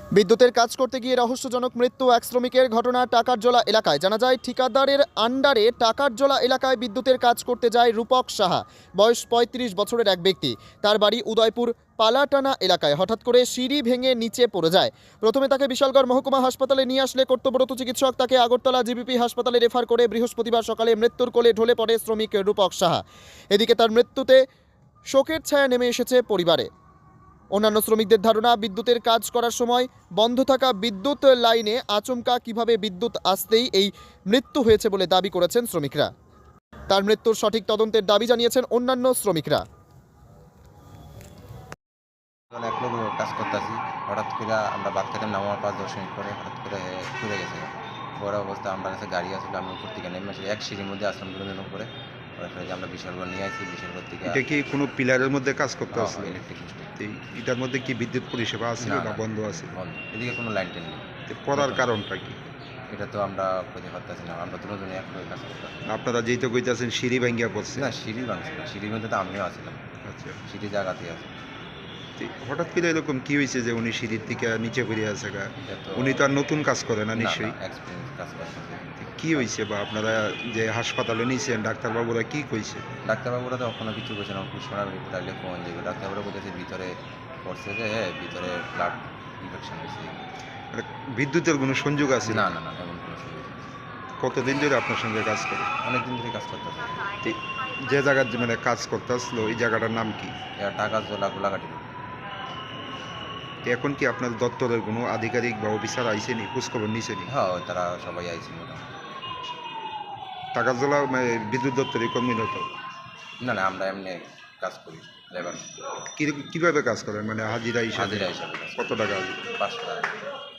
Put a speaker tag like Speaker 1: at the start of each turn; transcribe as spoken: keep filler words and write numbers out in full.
Speaker 1: বিদ্যুতের কাজ করতে গিয়ে রহস্যজনক মৃত্যু এক শ্রমিকের ঘটনা টাকারজোলা এলাকায়। জানা যায় ঠিকাদারের আন্ডারে টাকারজোলা এলাকায় বিদ্যুতের কাজ করতে যায় রূপক সাহা, বয়স পঁয়ত্রিশ বছরের এক ব্যক্তি। তার বাড়ি উদয়পুর পালাটানা এলাকায়। হঠাৎ করে সিঁড়ি ভেঙে নিচে পড়ে যায়। প্রথমে তাকে বিশালগড় মহকুমা হাসপাতালে নিয়ে আসলে কর্তব্যরত চিকিৎসক তাকে আগরতলা জিবিপি হাসপাতালে রেফার করে বৃহস্পতিবার সকালে মৃত্যুর কোলে ঢলে পড়ে শ্রমিক রূপক সাহা। এদিকে তার মৃত্যুতে শোকের ছায়া নেমে এসেছে পরিবারে। অন্যান্য শ্রমিকদের ধারণা, বিদ্যুতের কাজ করার সময় বন্ধ থাকা বিদ্যুৎ লাইনে আচমকা কিভাবে বিদ্যুৎ আসতেই এই মৃত্যু হয়েছে বলে দাবি করেছেন শ্রমিকরা। তার মৃত্যুর সঠিক তদন্তের দাবি জানিয়েছেন অন্যান্য শ্রমিকরা।
Speaker 2: এক লোক কাজ করতেছি, হঠাৎ করে আমরা বাদ খেতে নামার পাঁচ দশ মিনিট পরে হঠাৎ করে ঘুরে গেছে। বড় অবস্থা আমার কাছে গাড়ি আসলে আমি উপর থেকে নেমে আসি, এক সিঁড়ির মধ্যে আসলাম দুজন উপরে। যে আমরা বিশালগড় নিয়ে আসি, বিশালগড় থেকে
Speaker 3: এটা কি কোনো পিলারের মধ্যে কাজ করতে আসলে?
Speaker 2: ইলেকট্রিক
Speaker 3: এটার মধ্যে কি বিদ্যুৎ পরিষেবা আছে
Speaker 2: না,
Speaker 3: না
Speaker 2: না।
Speaker 3: বন্ধ আছে?
Speaker 2: বন্ধ, এদিকে কোনো লাইন টেন নেই।
Speaker 3: তো পড়ার কারণটা কি?
Speaker 2: এটা তো আমরা খুঁজে পারতেছি না, আমরা দুজনে এক লোক কাজ করতাম।
Speaker 3: আপনারা যেই তো কইতাছেন সিঁড়ি ভাঙ্গিয়া পড়ছে।
Speaker 2: না, সিঁড়ি ভাঙছে না, সিঁড়ির মধ্যে তো আমিও আসছিলাম,
Speaker 3: আচ্ছা,
Speaker 2: সিঁড়ি জায়গাতেই আছে।
Speaker 3: তো হঠাৎ করে এরকম কি হয়েছে যে উনি সিঁড়ির থেকে নিচে পড়ে আছে গা?
Speaker 2: এটা তো
Speaker 3: উনি তো আর নতুন কাজ করে না নিশ্চয়ই।
Speaker 2: এক্সপিরিয়েন্স কাজ করতেছে।
Speaker 3: কি হয়েছে বা আপনারা যে হাসপাতালে নিয়েছেন ডাক্তারবাবুরা কি কইছে?
Speaker 2: ডাক্তারবাবুরা তো কখনো কিছু বলছে না, পুষ্পনার রিপোর্ট আসলে কমন যাবে। ডাক্তারবাবুরা বলতেছে ভিতরে পড়ছে যে হ্যাঁ ভিতরে ব্লাড ইনফেকশন হয়েছে।
Speaker 3: মানে বিদ্যুতের কোনো সংযোগ আছে?
Speaker 2: না না না, এমন কোনো সুযোগ নেই।
Speaker 3: কতদিন ধরে আপনার সঙ্গে কাজ করে?
Speaker 2: অনেক দিন ধরে কাজ করতেছে।
Speaker 3: তো যে জায়গার মানে কাজ করতে আসলো এই জায়গাটার নাম কি?
Speaker 2: এরা টাকা জোলা গোলাঘাটি।
Speaker 3: তো এখন কি আপনার দপ্তরের কোনো আধিকারিক বা অফিসার আইসেনি, খোঁজখবর নিছেনি?
Speaker 2: হ্যাঁ, তারা সবাই আইছে মোটামুটি।
Speaker 3: টাকারজলা মানে বিদ্যুৎ দপ্তরে কর্মীরত?
Speaker 2: না না, আমরা এমনি কাজ করি, লেবার।
Speaker 3: কি কিভাবে কাজ করেন মানে হাজিরা হিসাবে?
Speaker 2: হাজিরা হিসাবে কাজ করি।
Speaker 3: কত টাকা হাজিরা?
Speaker 2: পাঁচশো টাকা।